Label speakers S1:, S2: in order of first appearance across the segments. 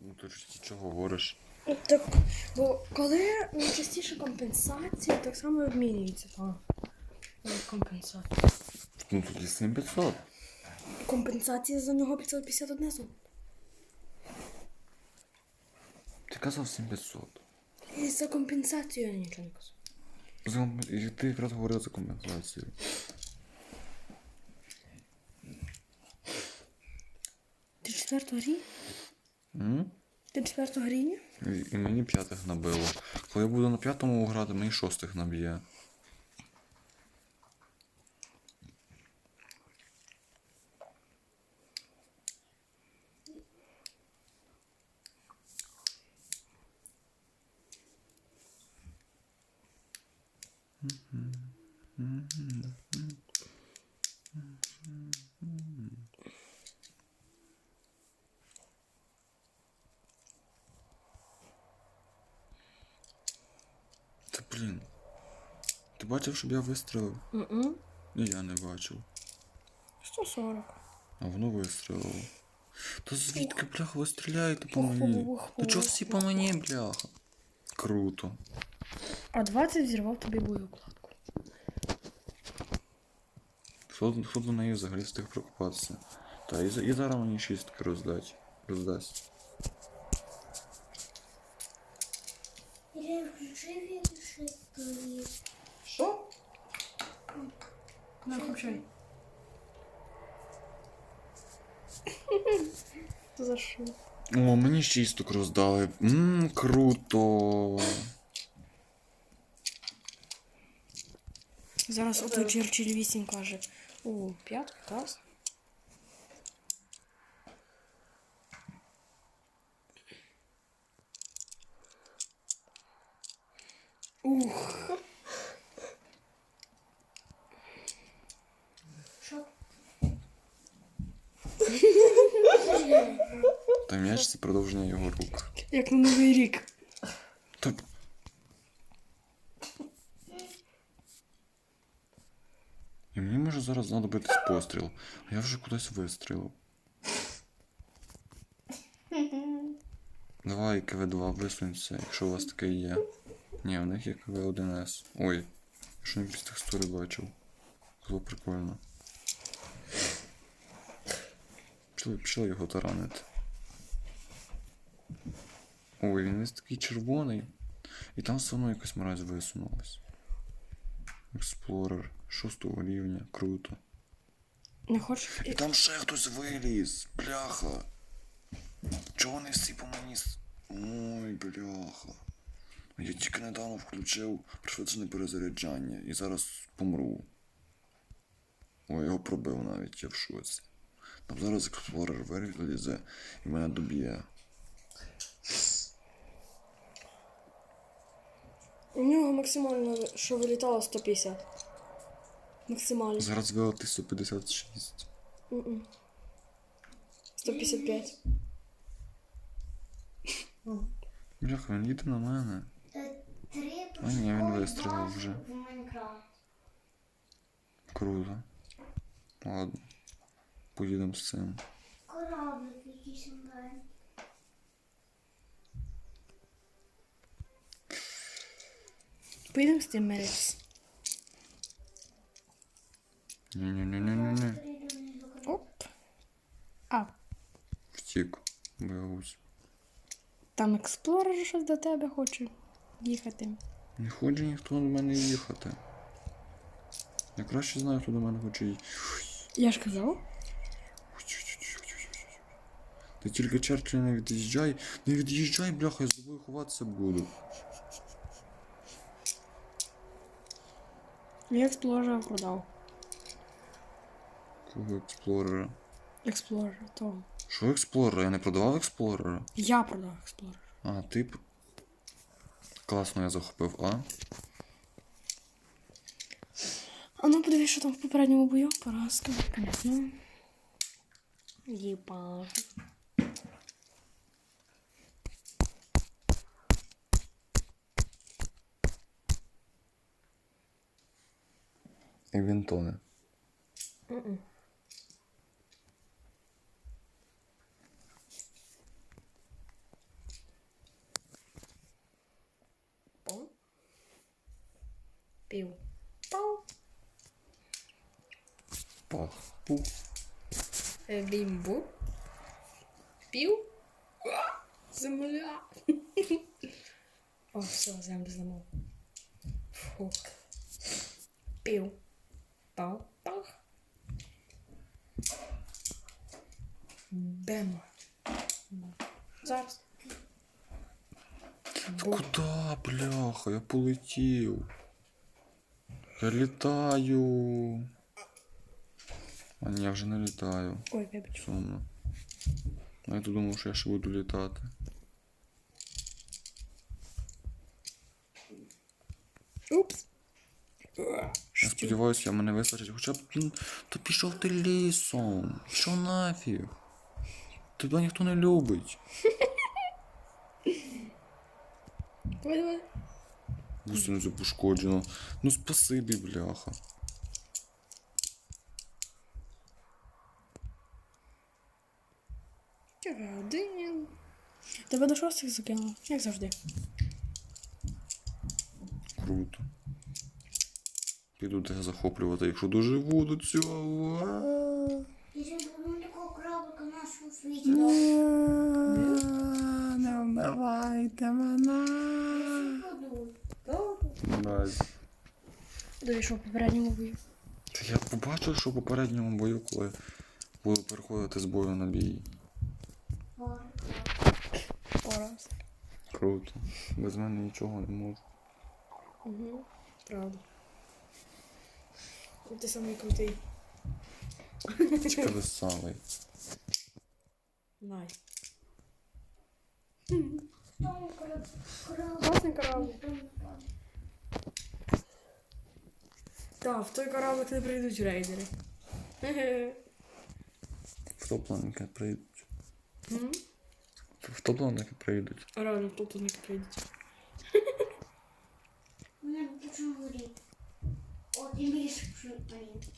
S1: Ну ти ж чого говориш?
S2: Так, бо коли найчастіше компенсації, так само і обмінюється компенсація.
S1: Ну тоді 7500.
S2: Компенсація за нього 551 золото.
S1: Ти казав 7500.
S2: І за компенсацію я нічого не казав.
S1: І ти якраз говорив за компенсацію.
S2: Ти 4-го рівня? Ти 4-го рівня?
S1: І мені 5-х набило. Коли я буду на 5-му грати, мені 6-х наб'є. Та блін. Ти бачив, щоб я вистрілив? І я не бачив.
S2: 140.
S1: А воно вистрілило. Та звідки, бляха, ви стріляєте по мені? Та чого всі по мені, бляха? Круто.
S2: А 20 зірвав тобі боєукладку.
S1: Хто до неї взагалі встиг прокопатися? Та і зараз мені 6 роздасть.
S3: Я включив він швидкої.
S2: Що? Не включай. За що?
S1: О, мені 6 роздали. Круто.
S2: Зараз ото Черчилль 8 каже. О, 5 клас. Ух.
S3: Що?
S1: Та м'яч це продовження його рук.
S2: Як на Новий рік.
S1: Та... І мені може зараз знадобитись постріл. А я вже кудись вистрілив. Давай КВ-2 висунься, якщо у вас таке є. Ні, у них є КВ-1С. Ой, що не без текстури бачив. Було прикольно. Пішли його таранити. Ой, він весь такий червоний. І там все одно якась мразь висунулась. Експлорер 6-го рівня, круто.
S2: Не хочеш?
S1: І там ще хтось виліз, бляха. Чого вони всі по мені? Ой, бляха. Я тільки недавно включив пришвидшене перезаряджання і зараз помру. Ой, його пробив навіть, я в шоці. Там зараз експлорер вилізе і мене доб'є.
S2: У нього максимально, що вилітало, 150. Максимально.
S1: Зараз вилетить 156.
S2: 155.
S1: Бляха, він їде на мене.
S3: 3
S1: А ні, він
S3: пошукові
S1: вистрілив
S3: бази
S1: вже.
S3: в Майнкрафт.
S1: Круто. Ладно. Поїдемо з цим.
S3: Кораблик якийсь онлайн.
S2: Поїдемо з тим миритися.
S1: Ні-ні-ні-ні-ні.
S2: Оп. А,
S1: Втік. Боягусь.
S2: там експлорер щось до тебе хоче їхати.
S1: Не хоче ніхто до мене їхати. Я краще знаю, хто до мене хоче їхати.
S2: Я ж казав.
S1: Ти тільки Черчилль не від'їжджай. Не від'їжджай, бляха, я з тобою ховатися буду.
S2: Я експлорера продав.
S1: Кого експлорера?
S2: Експлорер, того.
S1: Що експлорера? Я не продавав експлорера?
S2: Я продав експлорер.
S1: А, ти... Класно я захопив, а?
S2: А ну подивись, що там в попередньому бою. Поразка, звісно. Єба.
S1: І він тоне.
S2: Пів. Пау.
S1: Пах. Пух.
S2: Бімбу. Пів. Земля. О, все, землю зламав. Фух. Пів. Пау. Пах. Бем. Зараз.
S1: Куда, бляха? Я полетів. Я літаю. А ні, я вже не літаю.
S2: Ой, вибач.
S1: Сумно. А я то думав, що я ще буду літати.
S2: Упс.
S1: Я сподіваюся, мене вистачить. Хоча б, то пішов ти лісом. Пішов нафіг. Тебе ніхто не любить.
S2: Давай, давай.
S1: Гусениця пошкоджено. Ну спасибі, бляха.
S2: Один. Тебе до шостих закинуло, як завжди.
S1: Круто. Піду тебе захоплювати, якщо доживу до цього.
S3: Я ще буду такого крабика нашого світі.
S1: Не вмивайте мене. Мразь.
S2: Дійшов попередньому бою.
S1: Та я побачив, що в попередньому бою, коли буду переходити з бою на бій.
S2: Ораз.
S1: Круто. Без мене нічого не можу.
S2: Угу. Правда. Ти самий крутий.
S1: Тільки веселий.
S2: Най.
S3: Там
S2: Класний корабль. Так, в той кораблик не прийдуть рейдери.
S1: В топ-планки прийдуть.
S2: М?
S1: В топ-планки прийдуть.
S2: Реально, тут не прийдуть.
S3: мене почну горіти. О, тим більше почну горіти.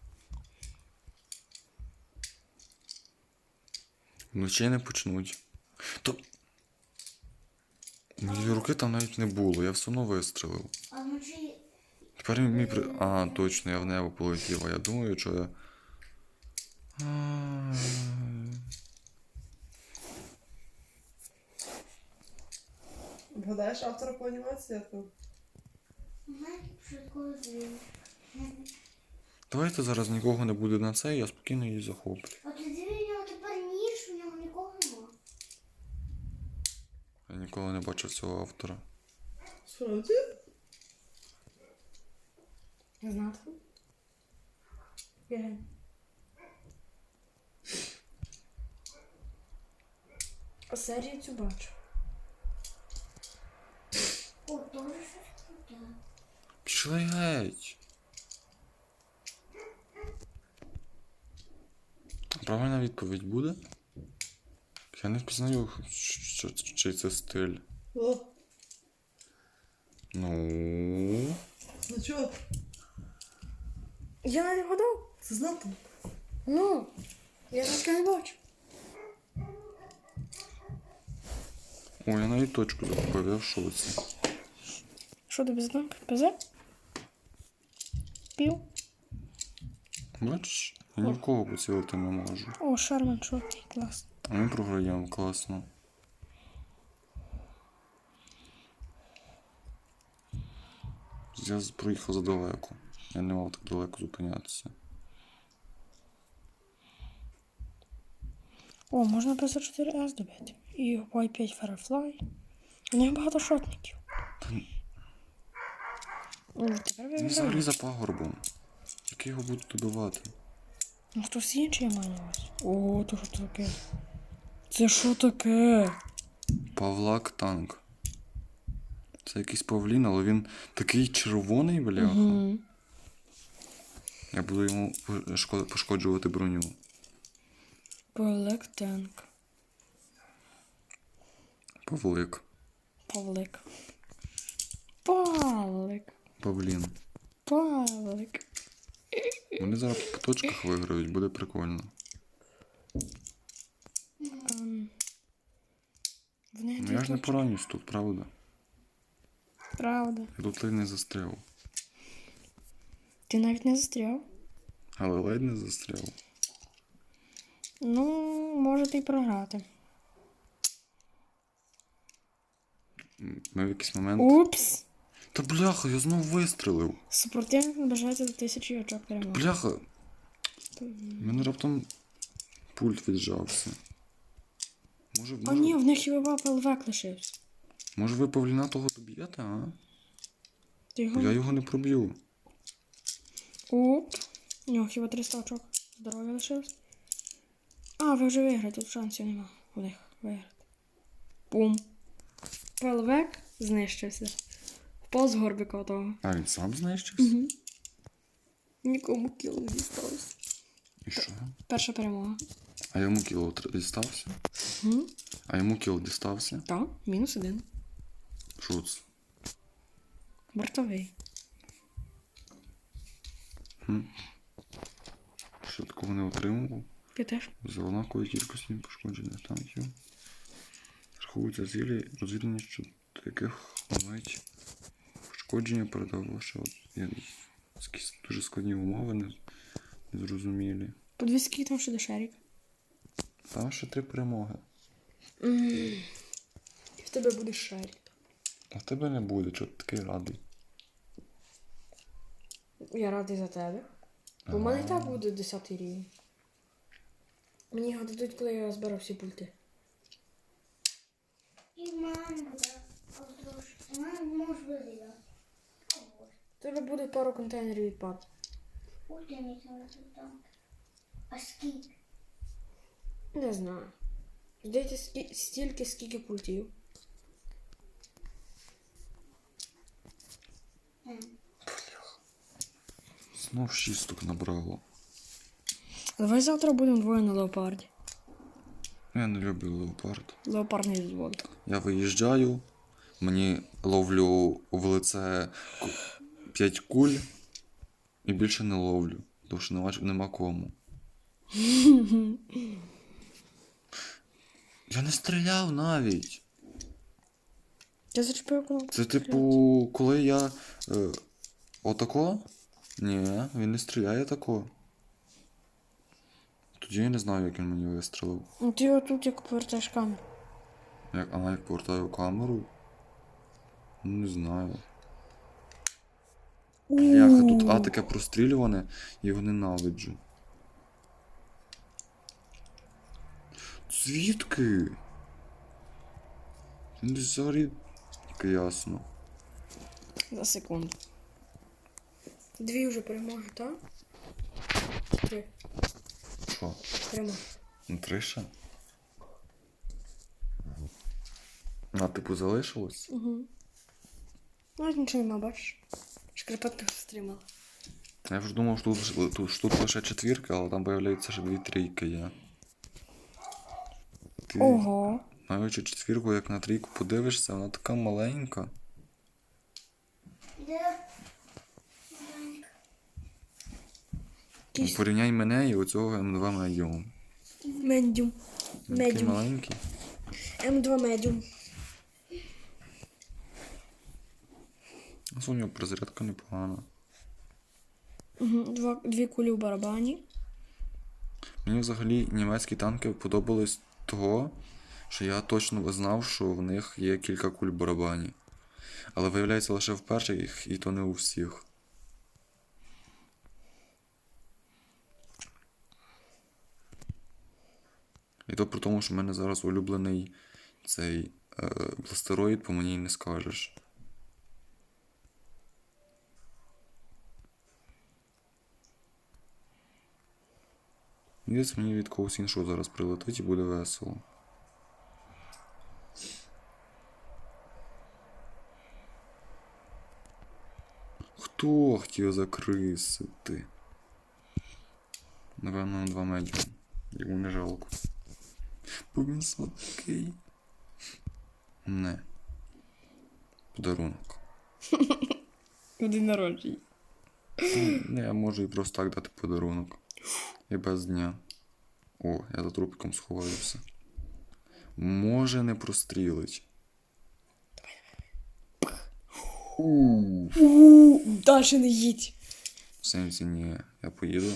S1: Вночі не почнуть. То. Моєї руки там навіть не було, я все одно вистрелив.
S3: А вночі
S1: Тепер мій при. А, точно, я в небо полетів, а я думаю, що я.
S4: Вгадаєш автора по анімації?
S3: знаєте, швидко звів.
S1: Давайте зараз нікого не буде на це, я спокійно її захоплю.
S3: А тоді в нього тепер ніж, у нього нікого нема.
S1: Я ніколи не бачив цього автора.
S4: Справді?
S2: Я знати. Бігай. А серію цю бачу.
S3: О, тоже щось круте.
S1: Пішли геть. Правильна відповідь буде? Я не впізнаю, чий це стиль.
S4: О,
S1: Ну.
S4: ну чого?
S2: Я не вгадав.
S4: Це знати?
S2: Ну, я таке не бачу.
S1: О, я навіть точку закупив, я в шоці.
S2: Що тобі знак? ПЗ? Пів.
S1: Бачиш, я ні в кого поцілити не можу.
S2: О, Шарман шотний, клас.
S1: А ми програємо, класно. Я проїхав задалеко. Я не мав так далеко зупинятися.
S2: О, можна ПЗ-4С добити. І Y5 Firefly. У них багато шотників. Тепер
S1: Він взагалі за пагорбом. Як я його буду добивати?
S2: Ну, хтось інший має на увазі. О, то що таке? Це що таке?
S1: Павлак танк. Це якийсь павлін, але він такий червоний, бляха.
S2: Угу.
S1: Я буду йому пошкоджувати броню.
S2: Павлик танк.
S1: Павлик.
S2: Павлик. Павлик.
S1: Павлін.
S2: Павлик.
S1: Вони зараз по точках виграють, буде прикольно.
S2: В них
S1: Ну
S2: дві
S1: я ж не
S2: точки.
S1: поранюсь тут, правда?
S2: Правда.
S1: Я тут ледь не застряв.
S2: Ти навіть не застряв.
S1: Але ледь не застряв.
S2: Ну, можете й програти.
S1: Ми в якийсь момент.
S2: Упс!
S1: Та бляха, я знов вистрелив.
S2: Супротивник наближається до 1000 очок перемоги.
S1: Бляха. У мене раптом пульт віджався.
S2: А ні, в них хіба ПЛВ лишився.
S1: Може ви павліна того доб'єте, а?
S2: Ти
S1: Бо я
S2: його...
S1: його не проб'ю.
S2: Оп. У нього хіба 300 очок. Здоров'я лишилось. А, ви вже виграєте, тут шансів нема у них виграти. Бум. ПЛВ знищився. Впав з горбика того.
S1: А він сам знищився?
S2: Угу. Нікому кіл не дістався.
S1: І що?
S2: Перша перемога.
S1: А йому кіл дістався?
S2: Угу.
S1: А йому кіл дістався?
S2: Так, -1.
S1: Що це?
S2: Бортовий.
S1: Що такого не отримував?
S2: Ти теж?
S1: За однаковою кількістю пошкоджених танків. Рахуються цілі, розвідання, що до яких мають пошкодження передав лише якісь дуже складні умови, незрозумілі.
S2: Подивись, скільки там ще до шарик.
S1: Там ще 3 перемоги.
S2: І в тебе буде шарик.
S1: А в тебе не буде, чого ти такий радий.
S2: Я радий за тебе. Бо в мене і так буде 10 рівень. Мені його дадуть, коли я зберу всі пульти.
S3: І в мене буде. В мене можеш вирізати.
S2: У тебе буде пару контейнерів відпад.
S3: Ой, не знаю, там. А скільки?
S2: Не знаю. Здається, стільки, скільки пультів.
S1: Знов 6 штук набрало.
S2: Давай завтра будемо двоє на леопарді.
S1: Я не люблю леопард.
S2: Леопард не дозволить.
S1: Я виїжджаю, мені ловлю в лице 5 куль і більше не ловлю, тому що нема кому. Я не стріляв навіть.
S2: Я зачепив кнопку.
S1: Це типу, коли я отако? Ні, він не стріляє тако. Тоді я не знаю, як він мені вистрелив.
S2: Ну ти отут як повертаєш камеру.
S1: Як повертаю камеру? Ну, не знаю. Бляха, тут А таке прострілюване, я його ненавиджу. Звідки? Він десь взагалі... Тільки ясно.
S2: За секунду. 2 вже перемоги, так? 3
S1: Що?
S2: перемоги.
S1: Ну, 3 ще? А, типу, залишилось?
S2: Угу. Навіть нічого нема, бачиш? Шкарпетка стримала.
S1: Я вже думав, що тут лише 4, але там появляється ще 2 трійки є. Ти,
S2: Ого.
S1: маючи 4, як на 3 подивишся, вона така маленька.
S3: Де?
S1: Ну, порівняй мене і оцього М2 Medium.
S2: Медіум.
S1: Він такий
S2: Медіум.
S1: маленький.
S2: М2 медіум.
S1: У нього перезарядка непогана.
S2: Угу. 2 кулі в барабані.
S1: Мені взагалі німецькі танки подобались того, що я точно знав, що в них є кілька куль в барабані. Але виявляється лише в перших, і то не у всіх. І то при тому, що в мене зараз улюблений цей бластероїд, по мені й не скажеш. Десь мені від когось іншого зараз прилетить і буде весело. Хто хотів закрисити? Напевно, на 2 медіум. Йому не жалко. Бо він сладкий. Не. Подарунок.
S2: В день народження.
S1: Не, я можу і просто так дати подарунок. І без дня. О, я за трупиком сховаюся. Може не прострілить.
S2: Дальше не їдь.
S1: В сенсі ні, я поїду.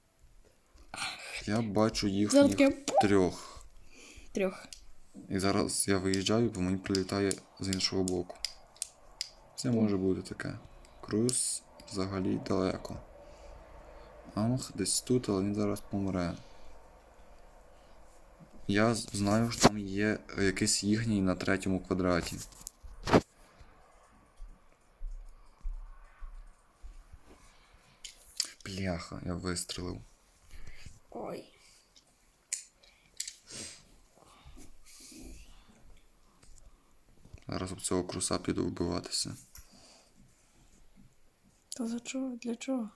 S1: Я бачу їх
S2: Зараз таке
S1: 3.
S2: 3.
S1: І зараз я виїжджаю, бо мені прилітає з іншого боку. Це може бути таке. Круз взагалі далеко. Амх десь тут, але він зараз помре. Я знаю, що там є якийсь їхній на 3-му квадраті. Бляха, я вистрелив.
S2: Ой.
S1: Зараз об цього круса піду вбиватися.
S2: Та за чого? Для чого?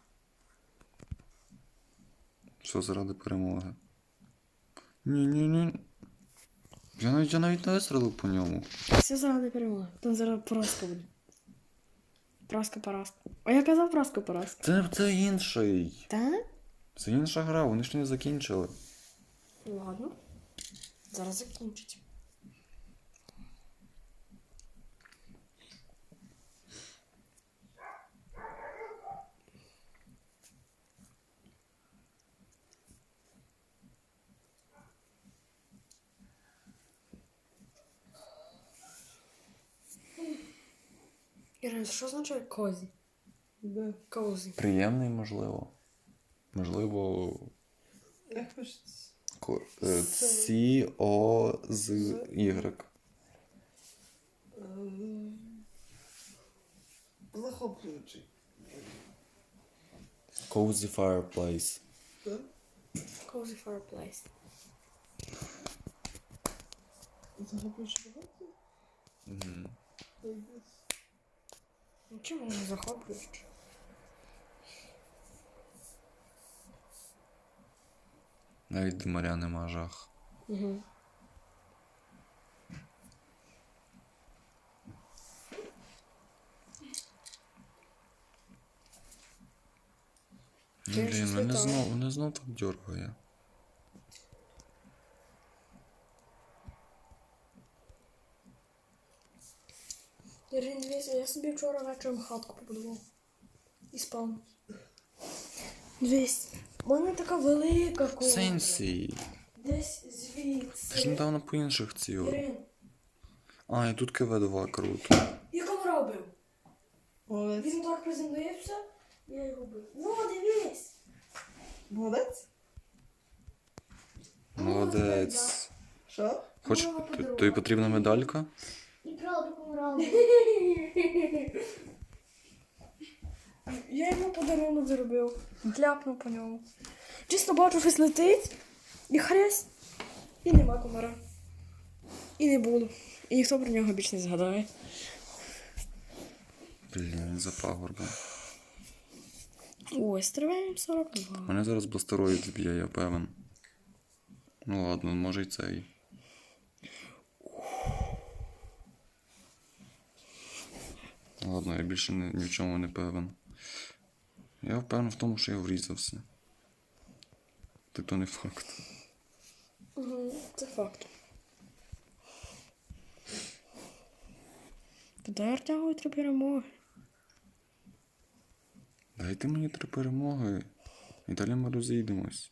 S1: Все заради перемоги. Ні. Я навіть не вистрелив по ньому.
S2: Все заради перемоги. Там зараз поразка буде. Поразка. А я казав поразка.
S1: Це інший.
S2: Та?
S1: Це інша гра, вони ж не закінчили.
S2: Ладно. Зараз закінчить. Ірина, що означає козі?
S4: Де?
S2: Козі.
S1: Приємний, можливо. Можливо.
S4: Як пишеться?
S1: C-O-Z-Y.
S4: Захоплюючий.
S1: Cozy fireplace.
S4: Так?
S2: Cozy fireplace.
S4: Захоплюючий багато?
S1: Угу.
S2: Ну чому не захоплюючи?
S1: Навіть димаря нема жах.
S2: Угу.
S1: Ну,
S2: Я
S1: блін,
S2: щось
S1: мене
S2: літаю.
S1: мене знов так дергає.
S2: Ірин, дивіться, я собі вчора вечором хатку побудував. І спав. Дивись, у мене така велика ковдра.
S1: Сенсі.
S2: Десь звідси.
S1: Ти ж недавно по інших цілих.
S2: Ірин,
S1: А, і тут КВ-2 круто.
S2: я кого робив?
S4: Молодець.
S2: Він так приземлився, я його бив. О, дивись!
S4: Молодець?
S1: Молодець.
S4: Що?
S1: Хоч
S2: Мама подарувала.
S1: тобі потрібна медалька?
S3: І правда помирала.
S2: Я йому подарунок зробив. Дляпнув по ньому. Чисто бачу, щось летить, і хрясь, і нема комара. І не було. І ніхто про нього більше не згадає.
S1: Блін, за пагорбом.
S2: Ой, стриваємо 42.
S1: Мене зараз бластероїд зб'є, я певен. Ну ладно, може й цей. Ладно, я більше ні в чому не певен. Я впевнений в тому, що я врізався. Так то не факт.
S2: Угу, це факт. Тоді я втягую 3 перемоги.
S1: Дайте мені 3 перемоги. І далі ми розійдемось.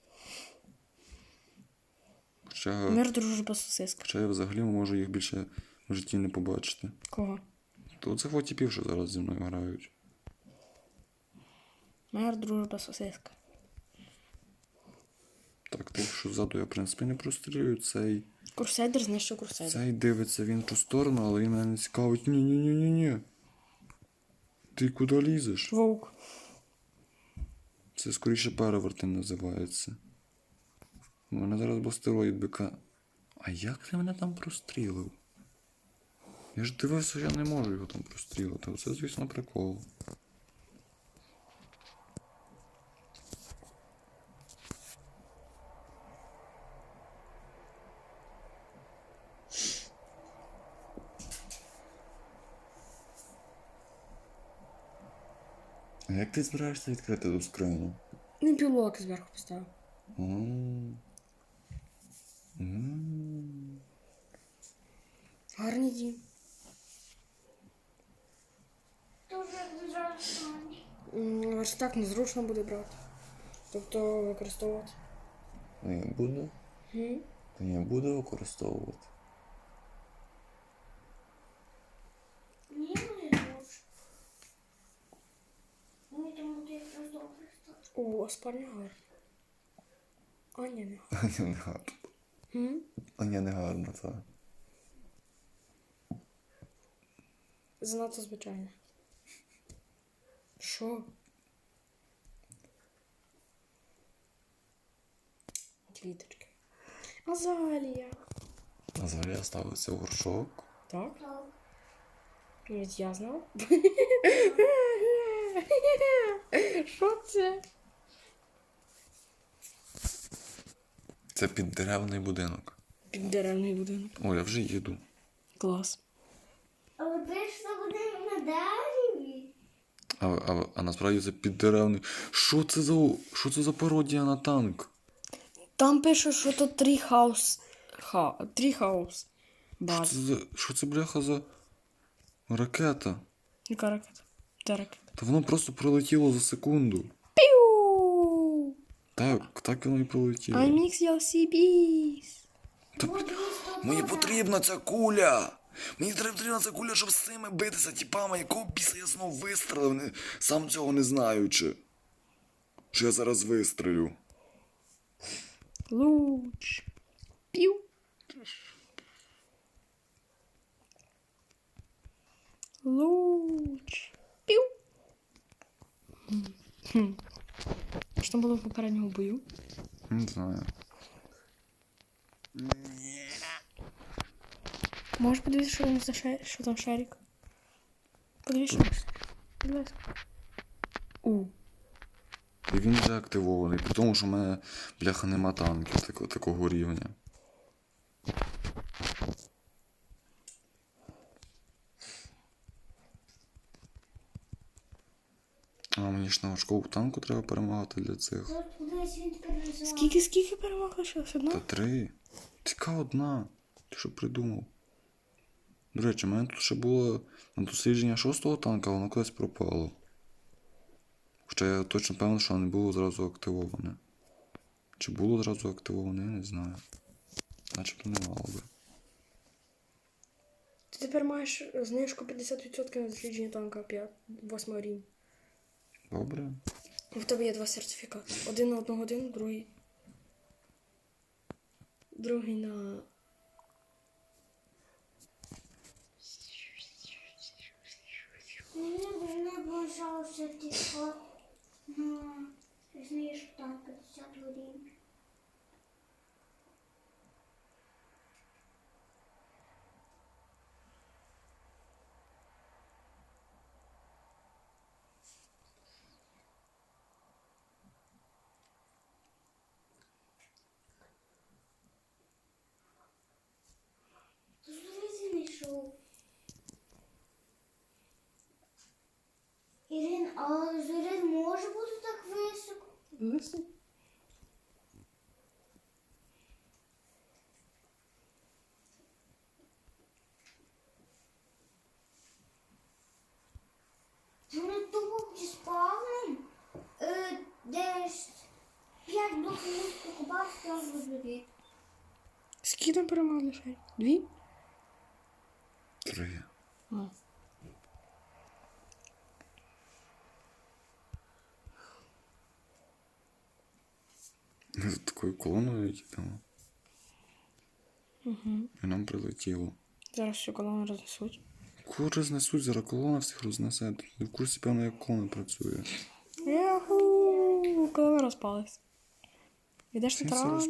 S2: Мир, дружба, сосиска.
S1: Хоча я взагалі можу їх більше в житті не побачити.
S2: Кого?
S1: То це фотіпів, що зараз зі мною грають.
S2: Мир, дружба, сосиска.
S1: Так, тих, що ззаду я, в принципі, не прострілюю.
S2: Курсайдер знищив курсайдер.
S1: Цей дивиться в іншу сторону, але він мене не цікавить. Ні. Ти куди лізеш?
S2: Вовк.
S1: Це скоріше перевертень називається. У мене зараз бастероїд бика. А як ти мене там прострілив? Я ж дивився, що я не можу його там прострілити. Оце, звісно, прикол. А як ти збираєшся відкрити ту скриню?
S2: Він пілок зверху поставив. Гарний дім.
S3: Дуже дуже
S2: Верстак незручно буде брати. Тобто використовувати.
S1: Ну я буду.
S2: Гм?
S1: Та я буду використовувати.
S3: Ні, не дуже. Мені тому ти якраз добре став.
S2: О, спальня гарна. А, ні, не гарна.
S1: Аня не гарно.
S2: Гм?
S1: Аня не гарно, так.
S2: Занадто звичайно. Що? Квіточки. Азалія.
S1: А зараз ставиться горшок.
S2: Так?
S3: Так.
S2: Навіть я знав. Що це?
S1: Це піддеревний будинок.
S2: Піддеревний будинок.
S1: О, я вже їду.
S2: Клас.
S3: Але ти ж це буде на дереві.
S1: А насправді це піддеревний. Що це за пародія на танк?
S2: Там пише, що то тріхаус. Тріхаус. База.
S1: Що це бляха за ракета?
S2: Яка ракета? Де ракета?
S1: Та воно просто пролетіло за секунду.
S2: Піу!
S1: Так воно і пролетіло.
S2: I mix your CBs.
S1: Мені потрібна ця куля! Мені потрібна ця куля, щоб з цими битися, тіпами, якого біса я знов вистрелив, сам цього не знаючи. Що я зараз вистрелю.
S2: Луч. Піу. Луч. Піу. Що там було в попередньому бою?
S1: Не знаю.
S2: Можеш подивитися, що там за що там шарик? Подивіться. Будь ласка.
S1: І він вже активований, при тому, що в мене, бляха, нема танків такого рівня. А мені ж на важкому танку треба перемагати для цих.
S3: Тут кудись він тепер називає.
S2: Скільки перемог лишилось? Одна?
S1: Та 3. Тільки одна. Ти що придумав? До речі, в мене тут ще було на дослідження 6-го танка, воно кудись пропало. Хоча я точно певний, що не було зразу активоване. Чи було зразу активоване, я не знаю. Начебто не мало би.
S2: Ти тепер маєш знижку 50% на дослідження танка 8 рівня.
S1: Добре.
S2: В тебе є 2 сертифікати. Один на 1 годину, другий. Другий на.
S3: Мені не бажав сертифікат на знижку там 50 гривень. Зрізі не йшов. Ірин, а зорін може бути так високо?
S4: Лисий.
S3: Вони тупо зі спавном десь 5 блоків покупав, там розберіть.
S2: Скільки там перемог лише? 2?
S1: 3.
S2: А.
S1: Ми за такою колоною їдемо.
S2: Угу.
S1: І нам прилетіло.
S2: Зараз всю колону рознесуть.
S1: Кого рознесуть, зараз колона всіх рознесе. Ти в курсі, певно, як колона працює.
S2: Яху! Колона розпалась. Ідеш на
S1: Всі
S2: тран.